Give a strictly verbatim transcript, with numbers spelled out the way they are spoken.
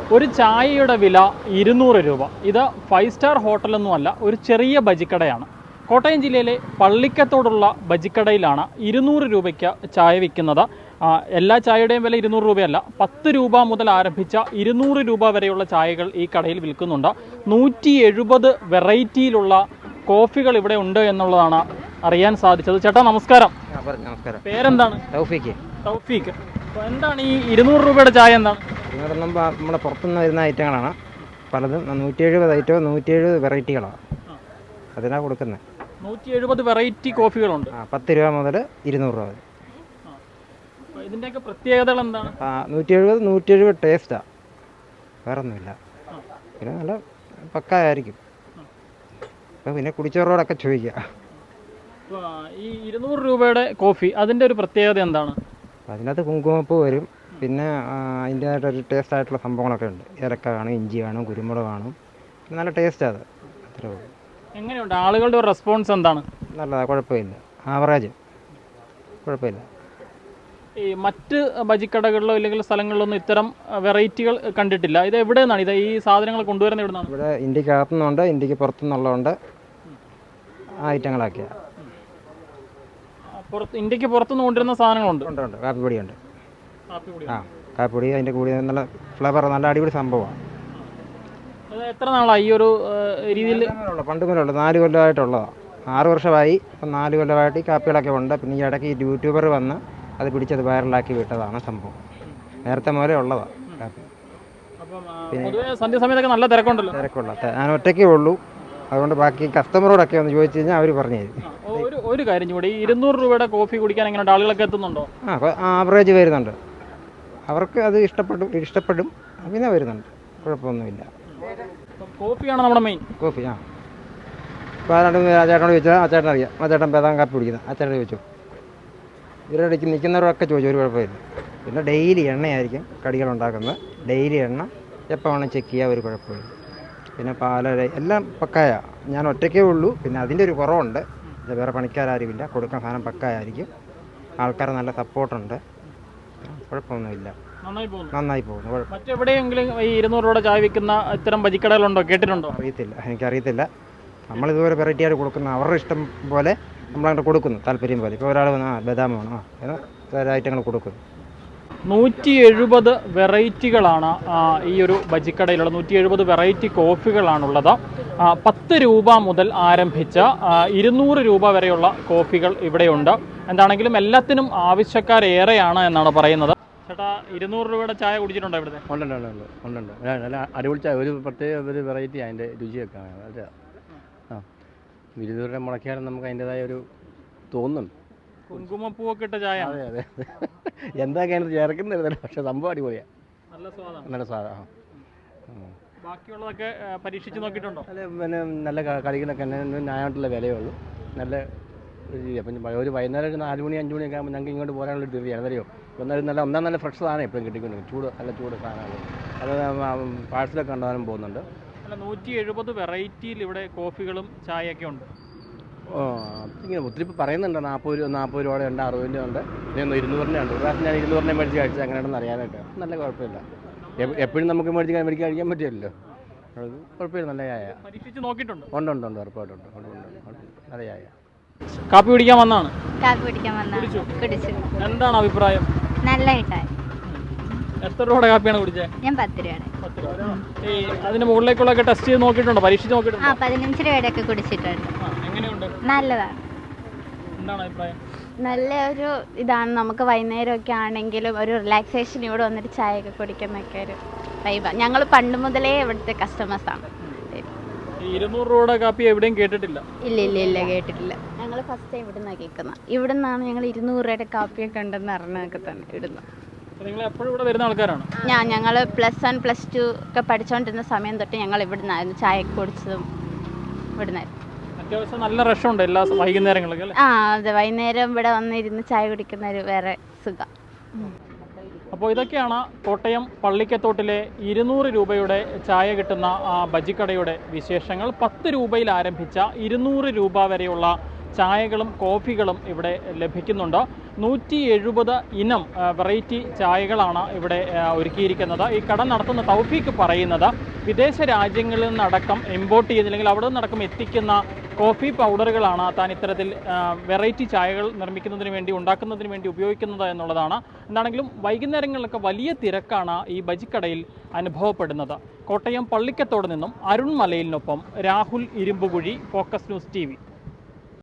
ഒരു ചായയുടെ വില ഇരുന്നൂറ് രൂപ. ഇത് ഫൈവ് സ്റ്റാർ ഹോട്ടലൊന്നുമല്ല, ഒരു ചെറിയ ബജിക്കടയാണ്. കോട്ടയം ജില്ലയിലെ പള്ളിക്കത്തോടുള്ള ബജിക്കടയിലാണ് ഇരുന്നൂറ് രൂപയ്ക്ക് ചായ വിൽക്കുന്നത്. എല്ലാ ചായയുടെയും വില ഇരുന്നൂറ് രൂപയല്ല, പത്ത് രൂപ മുതൽ ആരംഭിച്ച ഇരുന്നൂറ് രൂപ വരെയുള്ള ചായകൾ ഈ കടയിൽ വിൽക്കുന്നുണ്ട്. നൂറ്റി എഴുപത് വെറൈറ്റിയിലുള്ള കോഫികൾ ഇവിടെ ഉണ്ട് എന്നുള്ളതാണ് അറിയാൻ സാധിച്ചത്. ചേട്ടാ നമസ്കാരം. നമസ്കാരം. പേരെന്താണ്? തൗഫീഖ്. തൗഫീഖ്. അപ്പോൾ എന്താണ് ഈ ഇരുന്നൂറ് രൂപയുടെ ചായ? എന്താണ് നമ്മുടെ പുറത്തുനിന്ന് വരുന്ന ഐറ്റങ്ങളാണ് പലതും. നൂറ്റി എഴുപത് ഐറ്റവും നൂറ്റി എഴുപത് വെറൈറ്റികളാണ് അതിനാണ് കൊടുക്കുന്നത്. നൂറ്റി എഴുപത് വെറൈറ്റി കോഫികളുണ്ട്. പത്ത് രൂപ മുതൽ ഇരുന്നൂറ് രൂപ വരെ. ഇതിൻ്റെയൊക്കെ പ്രത്യേകതകൾ എന്താണ്? നൂറ്റി എഴുപത് നൂറ്റി എഴുപത് ടേസ്റ്റാണ്, വേറെ ഒന്നുമില്ല. പിന്നെ നല്ല പക്കായിരിക്കും. അപ്പോൾ പിന്നെ കുടിച്ചവരോടൊക്കെ ചോദിക്കുക. ഈ ഇരുന്നൂറ് രൂപയുടെ കോഫി അതിൻ്റെ ഒരു പ്രത്യേകത എന്താണ്? അതിനകത്ത് കുങ്കുമപ്പൂ വരും, പിന്നെ അതിൻ്റേതായിട്ടൊരു ടേസ്റ്റ് ആയിട്ടുള്ള സംഭവങ്ങളൊക്കെ ഉണ്ട്. ഏലക്ക കാണും, ഇഞ്ചി കാണും, കുരുമുളക് കാണും. നല്ല ടേസ്റ്റാണ് അത്. അത്രേ ഉള്ളൂ. എങ്ങനെയുണ്ട് ആളുകളുടെ ഒരു റെസ്പോൺസ് എന്താണ്? നല്ലതാണ്, കുഴപ്പമില്ല. ആവറേജ്, കുഴപ്പമില്ല. ഈ മറ്റ് ബജിക്കടകളിലോ ഇല്ലെങ്കിൽ സ്ഥലങ്ങളിലൊന്നും ഇത്തരം വെറൈറ്റികൾ കണ്ടിട്ടില്ല. ഇത് എവിടെ നിന്നാണ് ഇത് ഈ സാധനങ്ങൾ കൊണ്ടുവരുന്നത്? എവിടെ നിന്നാണ്? ഇവിടെ ഇന്ത്യക്ക് അകത്തുനിന്നുണ്ട്, ഇന്ത്യക്ക് പുറത്തുനിന്നുള്ളതുണ്ട്. ആ ഐറ്റങ്ങളൊക്കെയാണ്. പുറത്ത് ഇന്ത്യക്ക് പുറത്തുനിന്ന് കൊണ്ടുവരുന്ന സാധനങ്ങളുണ്ട്. ഉണ്ട് ഉണ്ട് കാപ്പിപ്പൊടിയുണ്ട്. ആ കാപ്പിപ്പൊടി അതിൻ്റെ കൂടി നല്ല ഫ്ലേവർ, നല്ല അടിപൊളി സംഭവമാണ്. എത്ര നാളായി ഈ ഒരു രീതിയിൽ? പണ്ട് മുതലുള്ള നാല് കൊല്ലമായിട്ടുള്ളതാണ്. ആറ് വർഷമായി. ഇപ്പം നാല് കൊല്ലമായിട്ട് ഈ കാപ്പികളൊക്കെ ഉണ്ട്. പിന്നെ ഈ ഇടയ്ക്ക് ഈ യൂട്യൂബർ വന്ന് അത് പിടിച്ചത് വൈറലാക്കി വിട്ടതാണ് സംഭവം. നേരത്തെ മുതലേ ഉള്ളതാണ് കാപ്പി. പിന്നെ സന്ധ്യ സമയത്തൊക്കെ നല്ല തിരക്കുണ്ടല്ലോ? തിരക്കുള്ള ഞാൻ ഒറ്റയ്ക്കേ ഉള്ളൂ. അതുകൊണ്ട് ബാക്കി കസ്റ്റമറോടൊക്കെ ഒന്ന് ചോദിച്ചു കഴിഞ്ഞാൽ അവർ പറഞ്ഞു തരും. ഒരു ഒരു കാര്യം കൂടി, ഈ ഇരുന്നൂറ് രൂപയുടെ കോഫി കുടിക്കാൻ എങ്ങനെയുണ്ട്? ആളുകളൊക്കെ എത്തുന്നുണ്ടോ? ആ ആവറേജ് വരുന്നുണ്ട്. അവർക്ക് അത് ഇഷ്ടപ്പെടും ഇഷ്ടപ്പെടും പിന്നെ വരുന്നുണ്ട്, കുഴപ്പമൊന്നുമില്ല. കോഫിയാണ് നമ്മുടെ മെയിൻ. കോഫി ആ ഇപ്പോൾ ആരാണ്ട് ആ ചേട്ടനോട് ചോദിച്ചാൽ ആ ചേട്ടൻ അറിയാം. ആ ചേട്ടൻ പേതാൻ കാപ്പി കുടിക്കുന്നത്. ആ ചേട്ടൻ ചോദിച്ചു. ഇവരുടെ നിൽക്കുന്നവരൊക്കെ ചോദിച്ചു, ഒരു കുഴപ്പമില്ല. പിന്നെ ഡെയിലി എണ്ണയായിരിക്കും കടികളുണ്ടാക്കുന്നത്. ഡെയിലി എണ്ണ എപ്പോൾ വേണം ചെക്ക് ചെയ്യുക, ഒരു കുഴപ്പമില്ല. പിന്നെ പാല എല്ലാം പക്കായ. ഞാൻ ഒറ്റയ്ക്കേ ഉള്ളൂ. പിന്നെ അതിൻ്റെ ഒരു കുറവുണ്ട്, വേറെ പണിക്കാരുമില്ല. കൊടുക്കാൻ സാധനം പക്കായായിരിക്കും. ആൾക്കാർ നല്ല സപ്പോർട്ടുണ്ട്. കുഴപ്പമൊന്നുമില്ല, നന്നായി പോകുന്നു. മറ്റെവിടെയെങ്കിലും ഈ ഇരുന്നൂറ് രൂപയുടെ ചായ വിൽക്കുന്ന ഇത്തരം ബജിക്കടകളുണ്ടോ? കേട്ടിട്ടുണ്ടോ? അറിയത്തില്ല, എനിക്കറിയത്തില്ല. നമ്മളിതുപോലെ വെറൈറ്റി ആയിട്ട് കൊടുക്കുന്ന അവരുടെ ഇഷ്ടം പോലെ നമ്മളങ്ങനെ കൊടുക്കുന്നു, താല്പര്യം പോലെ. ഇപ്പോൾ ഒരാൾ വന്ന് ആ ബദാം വേണം, ആ വേറെ ഐറ്റങ്ങൾ കൊടുക്കുന്നു. നൂറ്റി എഴുപത് വെറൈറ്റികളാണ് ഈ ഒരു ബജിക്കടയിലുള്ള നൂറ്റി എഴുപത് വെറൈറ്റി കോഫികളാണുള്ളത്. പത്ത് രൂപ മുതൽ ആരംഭിച്ച ഇരുന്നൂറ് രൂപ വരെയുള്ള കോഫികൾ ഇവിടെയുണ്ട്. എന്താണെങ്കിലും എല്ലാത്തിനും ആവശ്യക്കാരേറെയാണ് എന്നാണ് പറയുന്നത്. ചേട്ടാ, ഇരുന്നൂറ് രൂപയുടെ ചായ കുടിച്ചിട്ടുണ്ടോ ഇവിടുത്തെ? ഉണ്ടുണ്ട് ഉണ്ട് ഉണ്ടുണ്ട് നല്ല അടിപൊളി ചായ. ഒരു പ്രത്യേക ഒരു വെറൈറ്റി അതിൻ്റെ രുചിയൊക്കെ അതെ. ആ ഇരുന്നൂറ് രൂപ മുടക്കിയാലും നമുക്ക് അതിൻ്റെതായ ഒരു തോന്നുന്നുണ്ട്. കുങ്കുമപ്പൂവൊക്കെ ഇട്ട ചായ. അതെ അതെ എന്തൊക്കെയാണ് ചേർക്കുന്നത്, പക്ഷേ സംഭവം അടിപൊളിയാണ്. നല്ല സ്വാദാണ്. നല്ല സ്വാദാണ്. ബാക്കിയുള്ളതൊക്കെ പരീക്ഷിച്ച് നോക്കിയിട്ടുണ്ടോ? അല്ല, പിന്നെ നല്ല കളികളൊക്കെ ന്യായമായിട്ടുള്ള വിലയേ ഉള്ളൂ. നല്ല രീതി. അപ്പം ഒരു വൈകുന്നേരം ഒരു നാല് മണി അഞ്ച് മണിയൊക്കെ ആകുമ്പോൾ ഞങ്ങൾക്ക് ഇങ്ങോട്ട് പോരാനുള്ള ഒരു ധൃതിയാണ്. അറിയോ, ഒന്നാലും നല്ല ഒന്നാം നല്ല ഫ്രഷ് സാധനം എപ്പോഴും കിട്ടിക്കൊണ്ടിരിക്കും. ചൂട് നല്ല ചൂട് സാധനമാണ്. അത് പാഴ്സലൊക്കെ കൊണ്ടുപോകാനും പോകുന്നുണ്ട്. അല്ല, നൂറ്റി എഴുപത് വെറൈറ്റിയിൽ ഇവിടെ കോഫികളും ചായയൊക്കെ ഉണ്ട്. ഓ ഇങ്ങനെ ഒത്തിരി ഇപ്പോൾ പറയുന്നുണ്ട്. നാൽപ്പത് രൂപ നാൽപ്പത് രൂപയുടെ ഉണ്ട്, അറുപതിൻ്റെ ഉണ്ട്, പിന്നെ ഇരുന്നൂറിൻ്റെ ഉണ്ട്. ഒരു പ്രാവശ്യം ഞാൻ ഇരുന്നൂറിനെ മേടിച്ച് കഴിച്ചത് എങ്ങനെയാണെന്ന് അറിയാനായിട്ട്. നല്ല കുഴപ്പമില്ല. എപ്പോഴും നമുക്ക് മേടിച്ച് മേടിച്ച് കഴിക്കാൻ പറ്റില്ലല്ലോ. അത് കുഴപ്പമില്ല, നല്ല ചായ. പരീക്ഷിച്ച് നോക്കിയിട്ടുണ്ട്? ഉണ്ട് ഉണ്ട് ഉണ്ട് ഉറപ്പായിട്ടുണ്ട്. നല്ല ചായ. കാപ്പി കുടിക്കാൻ വന്നാണ്? കാപ്പി കുടിക്കാൻ വന്നാണ്. കുടിച്ചു. എന്താണ് അഭിപ്രായം? നല്ല ചായ. എത്ര രൂപയുടെ കാപ്പിയാണ് കുടിച്ചത്? ഞാൻ പത്ത് രൂപയാണ്. ഈ അതിന് മുകളിലേക്കുള്ളൊക്കെ ടെസ്റ്റ് ചെയ്ത് നോക്കിയിട്ടുണ്ടോ? പരീക്ഷിച്ച് നോക്കിയിട്ടുണ്ടോ? ആ പതിനഞ്ച് രൂപയുടെ ഒക്കെ കുടിച്ചിട്ടുണ്ട്. എങ്ങനെയുണ്ട്? നല്ലതാണ്. എന്താണ് അഭിപ്രായം? നല്ല ഒരു ഇതാണ്. നമുക്ക് വൈകുന്നേരമൊക്കെ ആണെങ്കിലും ഒരു റിലാക്സേഷൻ ഇവിടെ വന്നിട്ട് ചായയൊക്കെ കുടിക്കുന്നൊക്കെ ഒരു വൈബാണ്. ഞങ്ങൾ പണ്ട് മുതലേ ഇവിടുത്തെ കസ്റ്റമേഴ്സാണ്. ഇരുന്നൂറ് രൂപയുടെ കാപ്പി എവിടെയും കേട്ടിട്ടില്ല? ഇല്ല ഇല്ല ഇല്ല കേട്ടിട്ടില്ല. ഞങ്ങൾ ഫസ്റ്റ് ടൈം ഇവിടെ നിന്നാണ് കേൾക്കുന്നത്. ഇവിടെ നിന്നാണ് ഞങ്ങൾ ഇരുന്നൂറ് രൂപയുടെ കാപ്പിയൊക്കെ ഉണ്ടെന്ന് അറിഞ്ഞൊക്കെ തന്നെ ഇടുന്നത്. നിങ്ങൾ എപ്പോഴും ഇവിടെ വരുന്ന ആൾക്കാരാണ്? ഞാൻ ഞങ്ങൾ പ്ലസ് വൺ പ്ലസ് ടു ഒക്കെ പഠിച്ചുകൊണ്ടിരുന്ന സമയം തൊട്ട് ഞങ്ങൾ ഇവിടെ നിന്നായിരുന്നു ചായ കുടിച്ചതും. ഇവിടെ നിന്നായിരുന്നു. അത്യാവശ്യം നല്ല റഷുണ്ട് എല്ലാ വൈകുന്നേരങ്ങളിലും. ആ അതെ, വൈകുന്നേരം ഇവിടെ വന്നിരുന്ന് ചായ കുടിക്കുന്ന ഒരു വേറെ സുഖം. അപ്പോൾ ഇതൊക്കെയാണ് കോട്ടയം പള്ളിക്കത്തോട്ടിലെ ഇരുന്നൂറ് രൂപയുടെ ചായ കിട്ടുന്ന ആ ബജിക്കടയുടെ വിശേഷങ്ങൾ. പത്ത് രൂപയിൽ ആരംഭിച്ച ഇരുന്നൂറ് രൂപ വരെയുള്ള ചായകളും കോഫികളും ഇവിടെ ലഭിക്കുന്നുണ്ട്. നൂറ്റി എഴുപത് ഇനം വെറൈറ്റി ചായകളാണ് ഇവിടെ ഒരുക്കിയിരിക്കുന്നത്. ഈ കട നടത്തുന്ന തൗഫീഖ് പറയുന്നത് വിദേശ രാജ്യങ്ങളിൽ നിന്നടക്കം ഇമ്പോർട്ട് ചെയ്യുന്ന അല്ലെങ്കിൽ അവിടെ നിന്നടക്കം എത്തിക്കുന്ന കോഫി പൗഡറുകളാണ് താൻ ഇത്തരത്തിൽ വെറൈറ്റി ചായകൾ നിർമ്മിക്കുന്നതിന് വേണ്ടി ഉണ്ടാക്കുന്നതിന് വേണ്ടി ഉപയോഗിക്കുന്നത് എന്നുള്ളതാണ്. എന്താണെങ്കിലും വൈകുന്നേരങ്ങളിലൊക്കെ വലിയ തിരക്കാണ് ഈ ബജിക്കടയിൽ അനുഭവപ്പെടുന്നത്. കോട്ടയം പള്ളിക്കത്തോട് നിന്നും അരുൺ മലയിലിനൊപ്പം Rahul Irumbukuzhi, focus news T V.